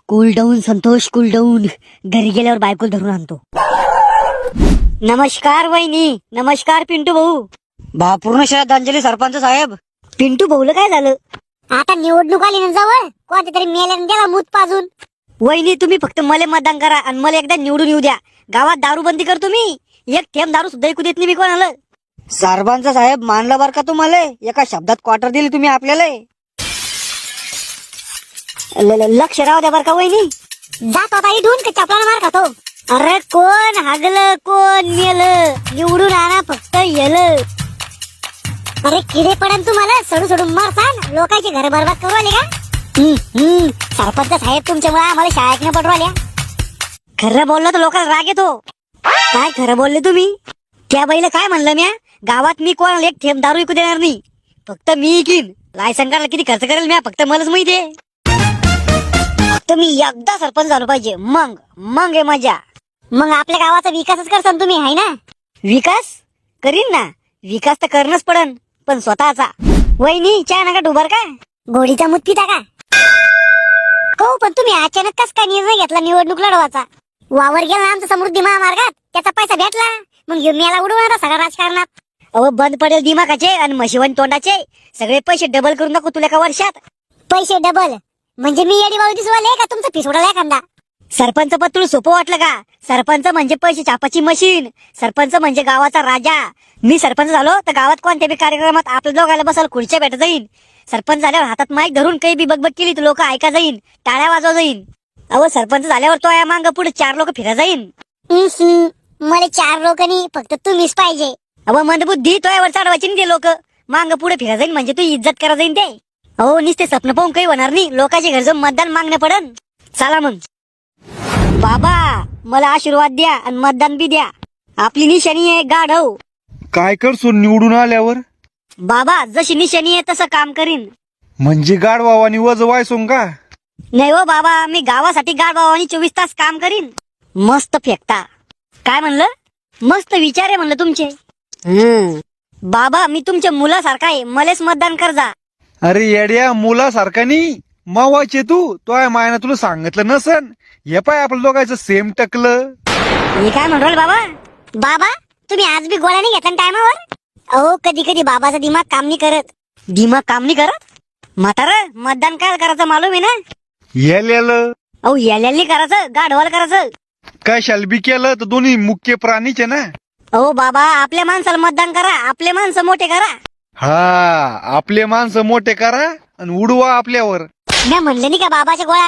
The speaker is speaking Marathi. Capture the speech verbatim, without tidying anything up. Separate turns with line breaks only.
Cool down Santosh, cool down. घरी गेल्यावर बायकोल धरून आणतो. नमस्कार वहिनी. नमस्कार पिंटू भाऊ.
भावपूर्ण श्रद्धांजली सरपंच साहेब.
पिंटू भाऊला काय झालं?
आता निवडणूक आली ना जवळ, कोणत्या तरी मेल्याने गेला मूत पाजून.
वहिनी तुम्ही फक्त मला मतदान करा आणि मला एकदा निवडून येऊ द्या. गावात दारू बंदी करतो मी. एक थेंब दारू सुद्धा ऐकू देत नाही मी कोणाला.
सरपंच साहेब मानलं बर का तुम्हाला? एका शब्दात क्वार्टर दिली तुम्ही आपल्याला.
ल- ल- लक्ष राहू द्या बर का वहिनी.
जात होता इथून का चपलाला मार खातो.
अरे कोण हागलं कोण मेलं, निवडून आणा फक्त येलं.
अरे किडे पडन तुम्हाला, सोडू सोडून मारसान. लोकांचे घर बरबाद करू आले का?
हम्म, हम्म.
सरपंच साहेब तुमच्यामुळे आम्हाला शाळेत न पडू आल्या.
खरं बोललं तर लोकांना राग येतो. काय खरं बोलले तुम्ही? त्या बाईला काय म्हणलं म्या? गावात मी कोणाला एक थेंब दारू विकू देणार नाही. फक्त मी इकीन. लायसन काढायला किती खर्च करेल म्या फक्त मलाच माहिती आहे. फक्त मी एकदा सरपंच झालो पाहिजे, मग मग आहे मजा.
मग आपल्या गावाचा विकासच करसान तुम्ही, हाय ना?
विकास करीन ना. विकास तर करणंच पडन, पण स्वतःचा. वहिनी चहा नका डुबर का?
गोडीचा मूत पिता का? हो, पण तुम्ही अचानक कस काय निर्णय घेतला निवडणूक लढवाचा? वावर गेला ना आमचा समृद्धी महामार्गात, त्याचा पैसा भेटला, मग घेऊन याला उडवणार सगळ्या राजकारणात.
अहो बंद पडेल दिमागाचे आणि म्हशीवन तोंडाचे. सगळे पैसे डबल करून नको तुला एका वर्षात.
पैसे डबल म्हणजे मी येडी बाबू दिसवाले का तुमचा फीस उडाला एखादा?
सरपंच पद तुला सोपं वाटलं का? सरपंच म्हणजे पैसे छापाची मशीन. सरपंच म्हणजे गावाचा राजा. मी सरपंच झालो तर गावात कोणत्या बी कार्यक्रमात आपल्या दोघाला बसायला खुर्च्या भेट जाईन. सरपंच झाल्यावर हातात माईक धरून काही बी बगबग केली तर लोक ऐका जाईन, टाळ्या वाजवा जाईन. अहो सरपंच झाल्यावर तो या मांग पुढे चार लोक फिरा जाईन.
मला चार लोकांनी फक्त तुम्हीच पाहिजे.
अहो मंदबुद्धी तो यावर चढवायची नाही ते लोक. मांग पुढे फिरा जाईन म्हणजे तू इज्जत करा जाईन ते. अहो नुसते स्वप्न पाहून काही होणार नाही. लोकांच्या घर जाऊन मतदान मागणं पडन. चला मग बाबा, मला आशीर्वाद द्या आणि मतदान बी द्या. आपली निशाणी आहे गाढव.
काय करसो निवडून आल्यावर?
बाबा जशी निशाणी आहे तसं काम करीन.
म्हणजे गाडवावानी वज वायसोंग का?
नाही हो बाबा, मी गावासाठी गाढवानी चोवीस तास काम करीन. मस्त फेकता. काय म्हणलं? मस्त विचार आहे म्हणलं तुमचे. हम्म बाबा, मी तुमच्या मुलासारखा आहे. मलेच मतदान कर जा.
अरे येड्या, मुलासारखा नाही मावाचे तू. तो आहे मायना तुला सांगितलं नसन. हे पाय आपलं दोघांचं सेम टकलं.
हे काय म्हणू राहिले बाबा?
बाबा तुम्ही आज बी गोळ्या नाही घेतला टायमावर? अहो कधी कधी बाबाचा दिमाग काम नाही करत.
दिमाग काम नाही करत? म्हातार मतदान काय करायचं मालूम आहे ना?
येल्यालं
अहो याल्याली करायचं, गाढवाला करायचं.
काय शालबी केलं तर दोन्ही मुख्य प्राणीचे ना.
अहो बाबा, आपल्या माणसाला मतदान करा. आपले माणसं मोठे करा.
हा, आपले माणसं मोठे करा आणि उडवा आपल्यावर.
मी म्हणले नाही का बाबाच्या गोळ्या